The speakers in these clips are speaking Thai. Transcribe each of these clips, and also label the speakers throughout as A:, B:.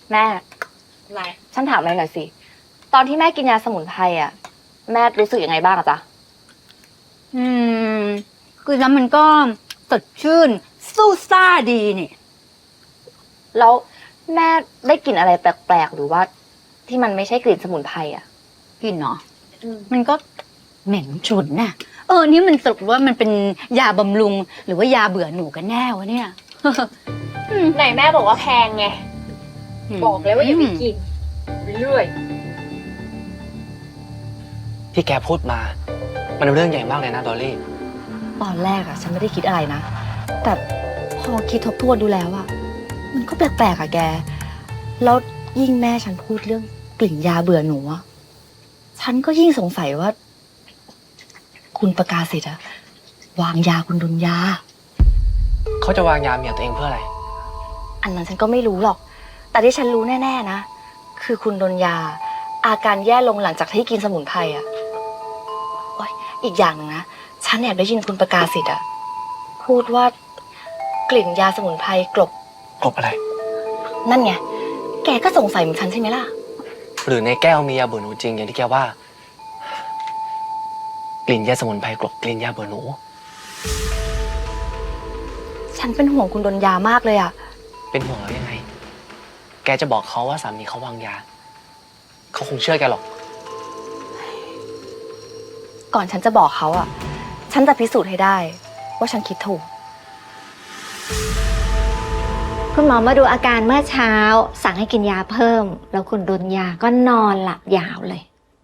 A: แม่
B: อะไร
A: ฉันถามอะไรหน่อยสิตอนที่แม่กินยาสมุนไพรอ่ะแม่รู้สึกยังไงบ้างอะจ๊ะ
B: อืมคือแล้วมันก็สดชื่นสู้ซ่าดีนี่
A: แล้วแม่ได้กลิ่นอะไรแปลกๆหรือว่าที่มันไม่ใช่กลิ่นสมุนไพรอ่ะ
B: กินเนาะมันก็เหม็นฉุนน่ะนี่มันสรุปว่ามันเป็นยาบำรุงหรือว่ายาเบื่อหนูกันแน่วะเนี่ย
C: ไหนแม่บอกว่าแพงไงบอกเลยว่าอย่าไปกินเรื่อย
D: ที่แกพูดมา มันเรื่องใหญ่มากเลยนะดอลลี่
A: ตอนแรกอ่ะฉันไม่ได้คิดอะไรนะแต่พอคิดทบทวนดูแล้วอ่ะมันก็แปลกๆอ่ะแกแล้วยิ่งแม่ฉันพูดเรื่องกลิ่นยาเบื่อหนูอ่ะฉันก็ยิ่งสงสัยว่าคุณประกาศสิทธิ์อะวางยาคุณดุลยา
D: เขาจะวางยาเมียตัวเองเพื่ออะไร
A: อันนั้นฉันก็ไม่รู้หรอกแต่ที่ฉันรู้แน่ๆนะคือคุณดุลยาอาการแย่ลงหลังจากที่กินสมุนไพรอ่ะโอ๊ยอีกอย่างหนึ่งนะฉันแอบได้ยินคุณประกาศสิทธิ์อะพูดว่ากลิ่นยาสมุนไพรกลบ
D: อะไร
A: นั่นไงแกก็สงสัยเหมือนฉันใช่ไหมล่ะ
D: หรือในแก้วมียาเบื่อหนูจริงอย่างที่แกว่า กลิ่นยาสมุนไพรกลบกลิ่นยาเบื่อหนู
A: ฉันเป็นห่วงคุณดนยามากเลยอะ
D: เป็นห่วงแล้วยังไง แกจะบอกเขาว่าสามีเขาวางยา เขาคงเชื่อแกหรอก
A: ก่อนฉันจะบอกเขาอะฉันจะพิสูจน์ให้ได้ว่าฉันคิดถูก
E: คุณหมอมาดูอาการเมื่อเช้าสั่งให้กินยาเพิ่มแล้วคุณดนยาก็นอนหลับยาวเลย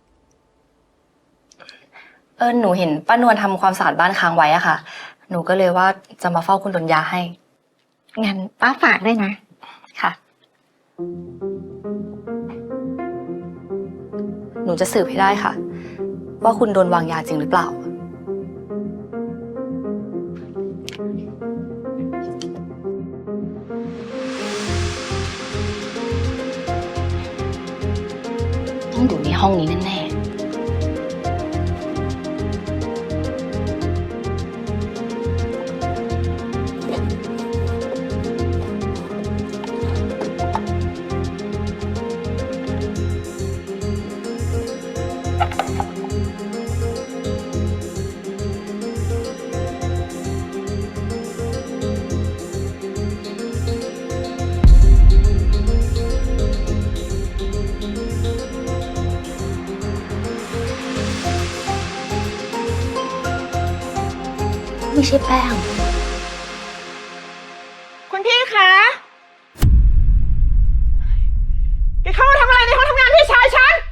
A: หนูเห็นป้านวลทำความสะอาดบ้านค้างไว้อะค่ะหนูก็เลยว่าจะมาเฝ้าคุณดนยาให้
E: งั้นป้าฝากด้วยนะ
A: ค่ะหนูจะสืบให้ได้ค่ะว่าคุณโดนวางยาจริงหรือเปล่าต้องอยู่ในห้องนี้แน่ๆไม่ใช่แป้ง
C: คุณพี่คะแกเข้ามาทำอะไรในห้องทำงานพี่ชายฉัน